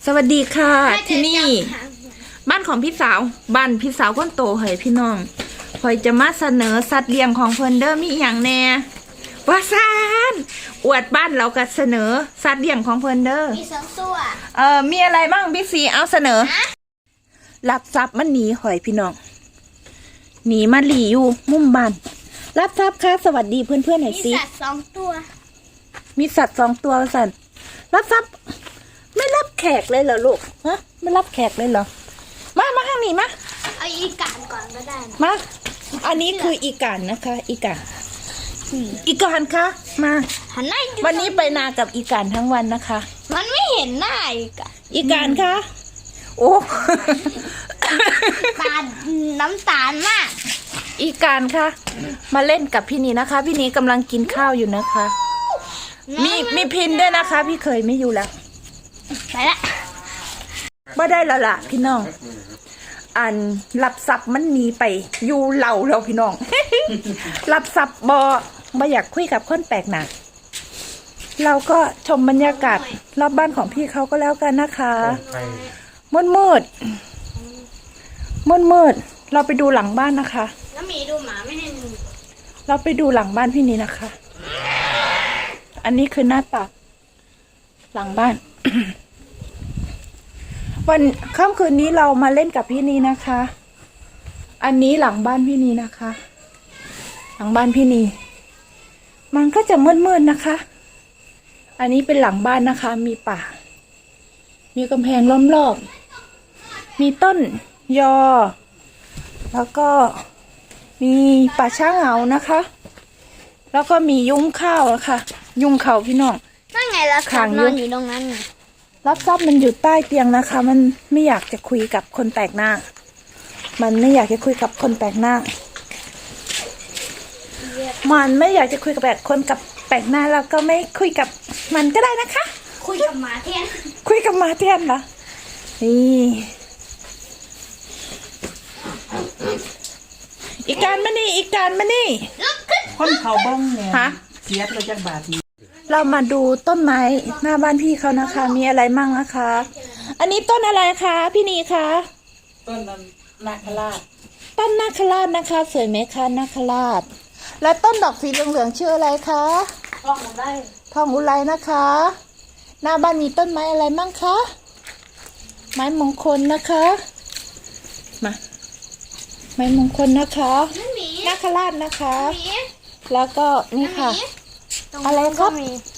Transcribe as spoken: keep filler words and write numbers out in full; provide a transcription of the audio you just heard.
สวัสดีค่ะที่นี่บ้านของพี่สาวบ้านพี่สาวคนโตเฮ้ยพี่น้องคอยจะมาเสนอสัตว์เลี้ยงของเพิ่นเด้อมีอย่างแน่ว่าซานอวดบ้านเราก็เสนอสัตว์เลี้ยงของเพิ่นเด้อมีสองตัวเออมีอะไรบ้างพี่สีเอาเสนอรับทรัพย์มันหนีหอยพี่น้องหนีมาหลีอยู่มุมบ้านรับทรัพย์ค่ะสวัสดีเพื่อนๆหน่อยสิมีสัตว์สองตัวมีสัตว์สองตัวสันรับทรัพย์ไม่รับแขกเลยเหรอลูกฮะไม่รับแขกเลยเหรอมามาข้างนี้มาเอาอีกานก่อนก็ได้มาอันนี้คืออีกานนะคะ อีกานอีกานคะมาหันหน้าวันนี้ไปนากับอีกานทั้งวันนะคะมันไม่เห็นหน้าอีกอะอีกานคะโอ้ตาน้ำตาลมากอีกานคะมาเล่นกับพี่นีนะคะ พี่นีกำลังกินข้าวอยู่นะคะมีมีพินด้วยนะคะ พี่เคยไม่อยู่แล้วไปละไม่ได้แล้วล่ะพี่น้องอันรับทรัพย์มันหนีไปอยู่เหล่าเราพี่น้อง รับทรัพย์บอบออยากคุยกับคนแปลกหน้าเราก็ชมบรรยากาศรอบบ้านของพี่เขาก็แล้วกันนะคะมืดมืดมืดมืดเราไปดูหลังบ้านนะคะแล้วมีดูหมาไม่ให้ดูเราไปดูหลังบ้านพี่นี้นะคะอันนี้คือหน้าต่างหลังบ้าน วันค่ำคืนนี้เรามาเล่นกับพี่นีนะคะ อันนี้หลังบ้านพี่นีนะคะ หลังบ้านพี่นีมันก็จะมืดๆนะคะ อันนี้เป็นหลังบ้านนะคะ มีป่า มีกำแพงล้อมรอบ มีต้นยอ แล้วก็มีป่าช้าเหงานะคะ แล้วก็มียุ้งข้าวนะคะยุ้งเขาพี่น้องนั่นไงล่ะขังนอนอยู่ตรงนั้นไงรับทรัพย์มันอยู่ใต้เตียงนะคะมันไม่อยากจะคุยกับคนแปลกหน้ามันไม่อยากจะคุยกับคนแปลกหน้ามันไม่อยากจะคุยกับแบบคนกับแปลกหน้าแล้วก็ไม่คุยกับมันก็ได้นะคะคุยกับหมาแทนคุยกับหมาแทนเหรอนี่อีกการมานี่อีกการมานี่คนเขาบ้องเนี่ยฮะเสียไปจากบาทนี้เรามาดูต้นไม้หน้าบ้านพี่เขานะคะมีอะไรมั่งนะคะ อันนี้ต้นอะไรคะพี่นีคะต้นนาคราชต้นนาคราชนะคะสวยไหมคะนาคราชและต้นดอกสีเหลืองๆชื่ออะไรคะทองอุไรทองอุไรนะคะหน้าบ้านมีต้นไม้อะไรมั่งคะไม้มงคลนะคะมาไม้มงคลนะคะนาคราชนะคะแล้วก็นี่ค่ะอะไรครับ